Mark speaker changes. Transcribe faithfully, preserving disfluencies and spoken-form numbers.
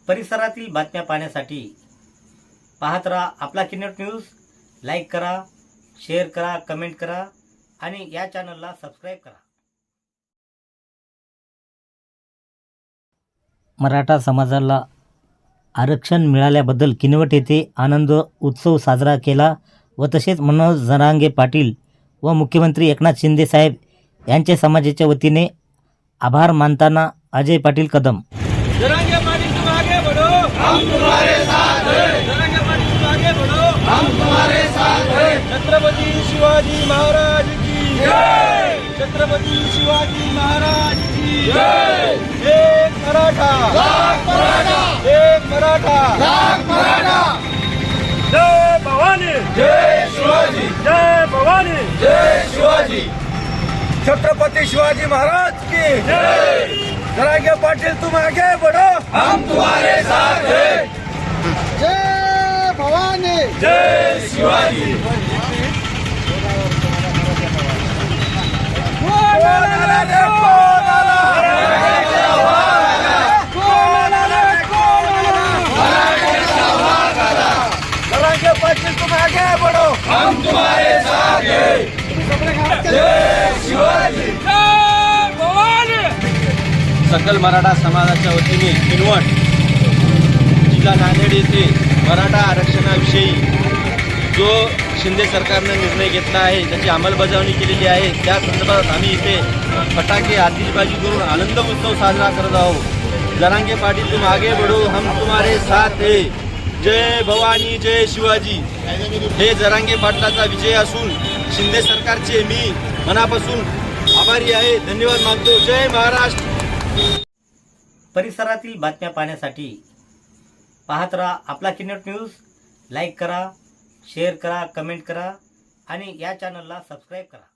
Speaker 1: परिसरातील बातम्या पाहण्यासाठी पाहत राहा आपला किन्नट न्यूज. लाईक करा, शेअर करा, कमेंट करा आणि या चॅनलला सबस्क्राईब करा. मराठा समाजाला आरक्षण मिळाल्याबद्दल किनवट येथे आनंद उत्सव साजरा केला व तसेच मनोज जरांगे पाटील व मुख्यमंत्री एकनाथ शिंदे साहेब यांच्या समाजाच्या वतीने आभार मानताना अजय पाटील कदम.
Speaker 2: जरांगे पाटील तुम आगे बढ़ो, हम तुम्हारे साथ हैं. जरांगे पाटील तुम आगे बढ़ो, हम तुम्हारे साथ हैं. छत्रपति शिवाजी महाराज की जय. छत्रपति शिवाजी महाराज की जय. एक मराठा, लाख मराठा. एक मराठा, लाख मराठा. जय भवानी, जय शिवाजी. जय भवानी, जय शिवाजी. छत्रपति शिवाजी महाराज की जय. जरांगे पाटिल तुम आगे बढ़ो, हम तुम्हारे साथ हैं. जय भवानी, जय शिवाजी. जरांगे पाटिल तुम आगे बढ़ो, हम तुम्हारे साथ हैं. जय शिवाजी. सकल मराठा समाजाच्या वतीने किनवट जिल्हा नांदेड येथे मराठा आरक्षणाविषयी जो शिंदे सरकारने निर्णय घेतला आहे, त्याची अंमलबजावणी केलेली आहे, त्या संदर्भात आम्ही इथे फटाके आतिषबाजी करून आनंद उत्सव साजरा करत आहोत. जरांगे पाटील तुम आगे बढ़ो, हम तुम्हारे साथ है. जय भवानी, जय शिवाजी. हे जरांगे पाटलाचा विजय असून शिंदे सरकारचे मी मनापासून आभारी आहे. धन्यवाद मानतो. जय महाराष्ट्र.
Speaker 1: परिसरातील बातम्या पाहण्यासाठी पाहत राहा आपला किन्नट न्यूज. लाईक करा, शेअर करा, कमेंट करा आणि या चॅनलला सबस्क्राईब करा.